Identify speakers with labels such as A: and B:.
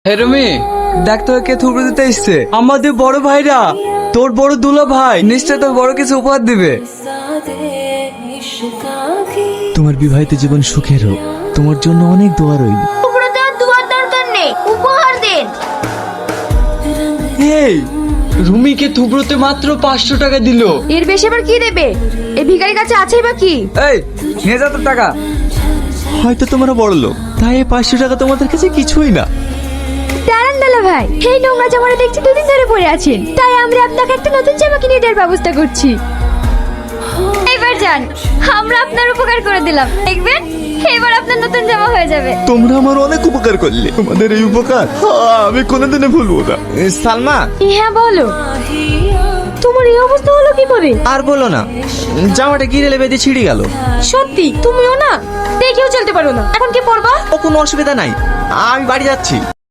A: হে রুমি, দেখ তোকে কে থুবড়ে দিতে এসছে। আমাদের বড় ভাইরা, তোর বড় দুলা ভাই নিশ্চয় তোর বড় কিছু উপহার দিবে।
B: তোমার বিবাহিত জীবন সুখের হোক, তোমার জন্য অনেক দোয়া রইল।
C: উপরে দেওয়ার দুয়ার দরকার নেই, উপহার দেন।
A: এই রুমিকে থুবড়োতে মাত্র 500 টাকা দিল।
C: এর বেশি আবার কি দেবে? এই ভিখারির কাছে আছেই বা কি?
A: এই নিয়ে যা তোর টাকা।
B: হয়তো তোমরা বড় লোক, তাই এই 500 টাকা তোমাদের কাছে কিছুই না।
C: দাঁড়ান দালা ভাই, এই নোংরা জামাটা দেখছি দুদিন ধরে পরে আছেন, তাই আমরা আপনাকে একটা নতুন জামা কিনে দেওয়ার ব্যবস্থা করছি। এবার যান, আমরা আপনার উপকার করে দিলাম, দেখবেন এবার আপনার নতুন জামা হয়ে যাবে।
B: তোমরা আমার অনেক উপকার করলে, তোমাদের এই উপকার আমি কোনোদিনও ভুলবো না। সালমা,
C: হ্যাঁ বলো, তোমার এই অবস্থা হলো কি করে?
B: আর বলো না, জামাটা গিরে বেঁধে ছিঁড়ে গেল।
C: সত্যি তুমিও না দেখেও চলতে পারো না, এখন কি পরবা?
B: ও কোনো অসুবিধা নাই, আমি বাড়ি যাচ্ছি।